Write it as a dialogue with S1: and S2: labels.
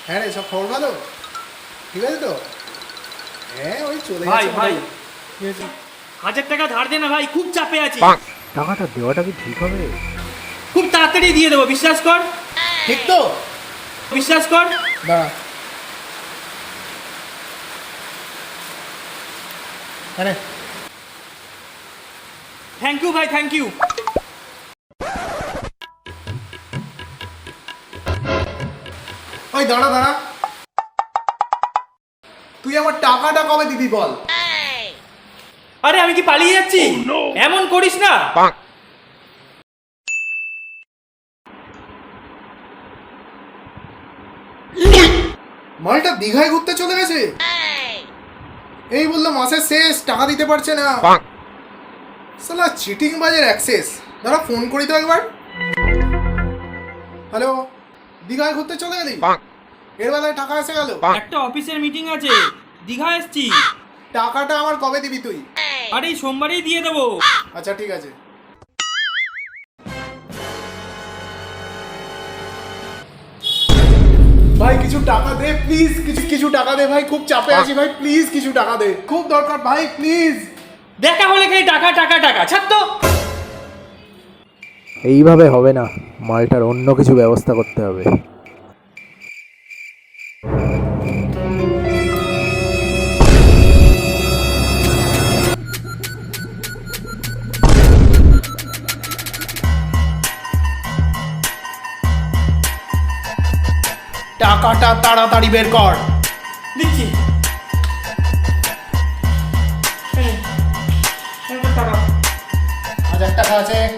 S1: হ্যাঁ রে, সব খবর ভালো? ঠিক আছে তো? হ্যাঁ, ওই চলে
S2: ভাই
S1: যাচ্ছে
S2: ভাই
S1: মোটামুটি। কি হয়েছে?
S2: 1000 টাকা ধার দে না ভাই, খুব চাপে আছি।
S3: টাকাটা দেওয়াটা কি ঠিক হবে?
S2: খুব তাড়াতাড়ি দিয়ে দেবো, বিশ্বাস কর।
S1: ঠিক তো?
S2: বিশ্বাস কর।
S1: দাঁড়া। হ্যাঁ রে।
S2: থ্যাংক ইউ ভাই, থ্যাংক ইউ।
S1: ওই দাঁড়া দাঁড়া, তুই আমার টাকাটা কবে দিবি বল?
S2: আরে আমি কি পালিয়ে যাচ্ছি? এমন করিস না।
S1: মালটা দীঘায় ঘুরতে চলে গেছে। এই বললো মাসের শেষ, টাকা দিতে পারছে না। শালা চিটিং বাজের অ্যাক্সেস। দাঁড়া, ফোন করি তো একবার। হ্যালো, দীঘায় ঘুরতে চলে গেলি? এর বেলায় টাকা এসে গেল।
S2: একটা অফিসের মিটিং আছে, দীঘা এসছি।
S1: টাকাটা আমার কবে দিবি তুই?
S2: আরে এই সোমবারেই দিয়ে দেবো।
S1: আচ্ছা ঠিক আছে। ভাই কিছু টাকা দে প্লিজ, কিছু টাকা দে ভাই, খুব চাপে আছি ভাই, প্লিজ কিছু টাকা দে, খুব দরকার ভাই, প্লিজ।
S2: দেখা হলে খালি টাকা টাকা টাকা, ছাড় তো।
S3: এইভাবে হবে না, মালটার অন্য কিছু ব্যবস্থা করতে হবে।
S1: টাকাটা তাড়াতাড়ি বের কর।
S2: দিচ্ছি। এই নে, এই নে টাকা।
S1: 1000 টাকা আছে।